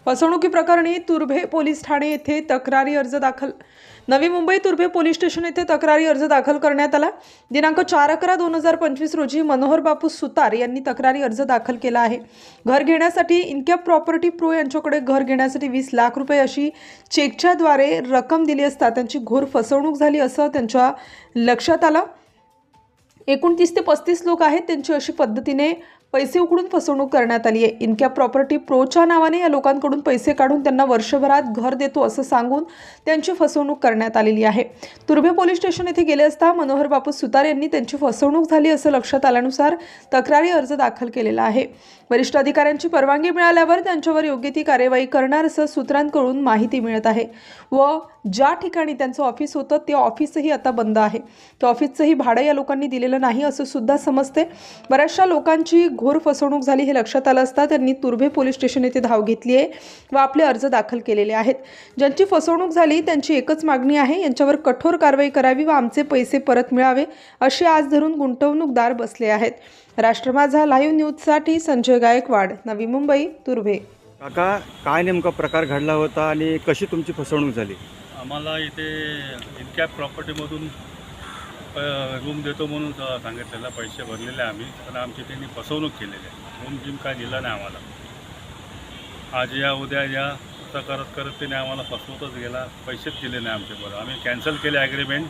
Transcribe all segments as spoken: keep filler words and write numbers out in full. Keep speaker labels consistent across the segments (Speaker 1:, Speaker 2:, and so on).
Speaker 1: फसवणुकीप्रकरणी तुर्भे police Thane येथे तक्रारी अर्ज दाखल. नवी मुंबई तुर्भे पोलीस स्टेशन येथे तक्रारी अर्ज दाखल करण्यात आला. दिनांक चार अकरा दोन हजार पंचवीस रोजी मनोहर बापू सुतार यांनी तक्रारी अर्ज दाखल केला आहे. घर घेण्यासाठी इनकॅप प्रॉपर्टी प्रो यांच्याकडे घर घेण्यासाठी वीस लाख रुपये अशी चेकच्याद्वारे रक्कम दिली असता त्यांची घोर फसवणूक झाली असं त्यांच्या लक्षात आलं. एकूण तीस ते पस्तीस लोक आहेत, त्यांची अशी पद्धतीने पैसे उकडून फसवणूक करण्यात आली आहे. इनकॅप प्रॉपर्टी प्रोच्या नावाने या लोकांकडून पैसे काढून त्यांना वर्षभरात घर देतो असं सांगून त्यांची फसवणूक करण्यात आलेली आहे. तुर्भे पोलीस स्टेशन येथे गेले असता मनोहर बापू सुतार यांनी त्यांची फसवणूक झाली असं लक्षात आल्यानुसार तक्रारी अर्ज दाखल केलेला आहे. वरिष्ठ अधिकाऱ्यांची परवानगी मिळाल्यावर त्यांच्यावर योग्य ती कार्यवाही करणार असं सूत्रांकडून माहिती मिळत आहे. व ज्या ठिकाणी त्यांचं ऑफिस होतं ते ऑफिसही आता बंद आहे. त्या ऑफिसचंही भाडं या लोकांनी दिलेलं नाही असं सुद्धा समजते. बऱ्याचशा लोकांची घोर फसवणूक झाली हे लक्षात आलं असता त्यांनी तुर्भे पोलीस स्टेशन येथे धाव घेतली आहे व आपले अर्ज दाखल केलेले आहेत. ज्यांची फसवणूक झाली त्यांची एकच मागणी आहे, यांच्यावर कठोर कारवाई करावी व आमचे पैसे परत मिळावे अशी आज धरून गुंतवणूकदार बसले आहेत. राष्ट्र माझा लाईव्ह न्यूजसाठी संजय गायकवाड, नवी मुंबई, तुर्भे.
Speaker 2: काका, काय नेमका प्रकार घडला होता आणि कशी तुमची फसवणूक झाली?
Speaker 3: आम्हाला इथे इनकॅप प्रॉपर्टीमधून रूम देतो म्हणून सांगितलेला, पैसे भरलेले आम्ही, पण आमची त्यांनी फसवणूक केलेली आहे. रूम जिम काय दिला नाही आम्हाला. आज या उद्या या असं करत करत त्याने आम्हाला फसवतच गेला, पैसेच दिले नाही आमचे. बरं, आम्ही कॅन्सल केले ॲग्रीमेंट.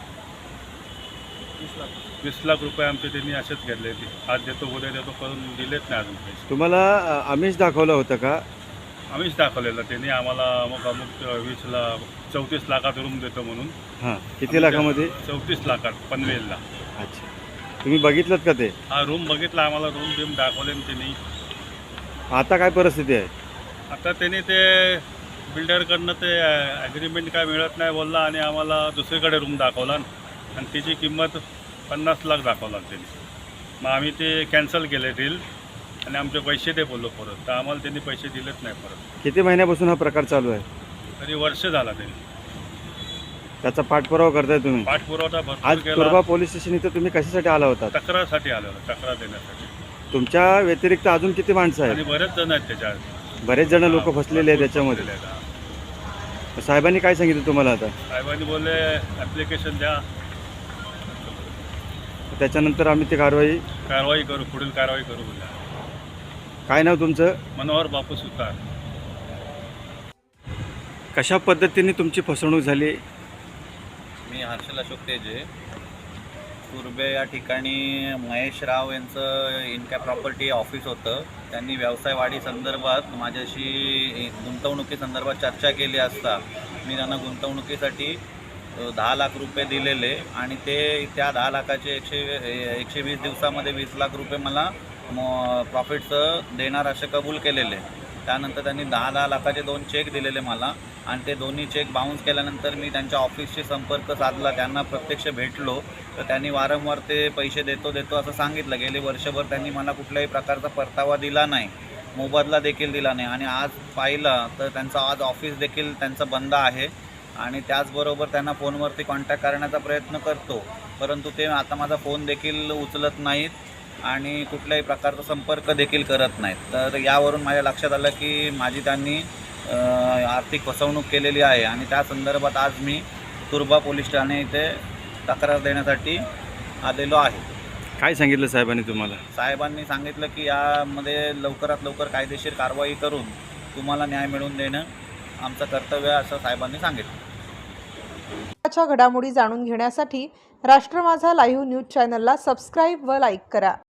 Speaker 3: वीस लाख रुपये आमचे त्यांनी असेच घेतले. ते आज देतो उद्या देतो करून दिलेच नाही अजून पैसे.
Speaker 2: तुम्हाला आमिष दाखवलं होतं का?
Speaker 3: आम्हीच दाखवलेलं त्यांनी आम्हाला. अमुक अमुक वीसला चौतीस लाखात रूम देतो म्हणून.
Speaker 2: हां, किती लाखामध्ये?
Speaker 3: चौतीस लाखात पनवेलला.
Speaker 2: अच्छा, तुम्ही बघितलं का ते?
Speaker 3: हा रूम बघितला, आम्हाला रूम बिम दाखवले त्यांनी.
Speaker 2: आता काय परिस्थिती आहे?
Speaker 3: आता त्यांनी ते बिल्डरकडनं ते ॲग्रीमेंट काय मिळत नाही बोलला आणि आम्हाला दुसरीकडे रूम दाखवला आणि त्याची किंमत पन्नास लाख दाखवला त्यांनी. मग आम्ही ते कॅन्सल केले डील आणि आमचे पैसे दे बोललो परत. तर आम्हाला त्यांनी पैसे दिलेच नाही परत.
Speaker 2: किती महिन्यापासून हा प्रकार चालू आहे?
Speaker 3: तरी वर्ष झाला त्यांनी.
Speaker 2: त्याचा पाठपुरावा करताय तुम्ही?
Speaker 3: पाठपुरावा
Speaker 2: आज
Speaker 3: भरपूर केला.
Speaker 2: तुर्भा पोलीस स्टेशन इथं तुम्ही कशासाठी आला होता?
Speaker 3: तक्रारसाठी आलेलो, तक्रार देण्यासाठी.
Speaker 2: तुमच्या व्यतिरिक्त अजून किती माणसं
Speaker 3: आणि
Speaker 2: आहेत?
Speaker 3: बरेच जण आहेत त्याच्यात.
Speaker 2: बरेच जण लोक फसलेले आहेत त्याच्यामध्ये. साहेबांनी काय सांगितलं तुम्हाला? आता
Speaker 3: साहेबांनी बोलले ॲप्लिकेशन द्या,
Speaker 2: त्याच्यानंतर आम्ही ती कारवाई
Speaker 3: कारवाई करू, पुढील कारवाई करू बोलले.
Speaker 2: काय नाव तुमचं?
Speaker 3: मनोहर बापू सुतार.
Speaker 2: कशा पद्धतीने तुमची फसवणूक झाली?
Speaker 4: मी हर्षल अशोक तेजे. तुर्भे या ठिकाणी महेश राव यांचं इनकॅप प्रॉपर्टी ऑफिस होतं. त्यांनी व्यवसाय वाढी संदर्भात माझ्याशी गुंतवणुकीसंदर्भात चर्चा केली असता मी त्यांना गुंतवणुकीसाठी दहा लाख रुपये दिलेले आणि ते त्या दहा लाखाचे एकशे एकशे वीस दिवसामध्ये वीस लाख रुपये मला प्रॉफिटचं देणार असे कबूल केलेले. त्यानंतर त्यांनी दहा दहा लाखाचे दोन चेक दिलेले मला आणि ते दोन्ही चेक बाउन्स केल्यानंतर मी त्यांच्या ऑफिसशी संपर्क साधला, त्यांना प्रत्यक्ष भेटलो तर त्यांनी वारंवार ते पैसे देतो देतो असं सांगितलं. गेले वर्षभर त्यांनी मला कुठल्याही प्रकारचा परतावा दिला नाही, मोबदला देखील दिला नाही आणि आज पाहिलं तर त्यांचं आज ऑफिस देखील त्यांचं बंद आहे आणि त्याचबरोबर त्यांना फोनवरती कॉन्टॅक्ट करण्याचा प्रयत्न करतो, परंतु ते आता माझा फोन देखील उचलत नाहीत आणि कुठल्याही प्रकारचा संपर्क देखील करत नाहीत. तर यावरून माझ्या लक्षात आलं की माझी त्यांनी आर्थिक फसवणूक केलेली आहे आणि त्या संदर्भात आज मी तुर्भा पोलीस ठाणे इथे तक्रार देण्यासाठी आलेलो आहे.
Speaker 2: काय सांगितलं साहेबांनी तुम्हाला?
Speaker 4: साहेबांनी सांगितलं की यामध्ये लवकरात लवकर कायदेशीर कारवाई करून तुम्हाला न्याय मिळवून देणं आमचं कर्तव्य असं साहेबांनी सांगितलं.
Speaker 1: घडामोडी जाणून घेण्यासाठी राष्ट्र माझा लाईव्ह न्यूज चॅनलला सबस्क्राईब व लाईक करा.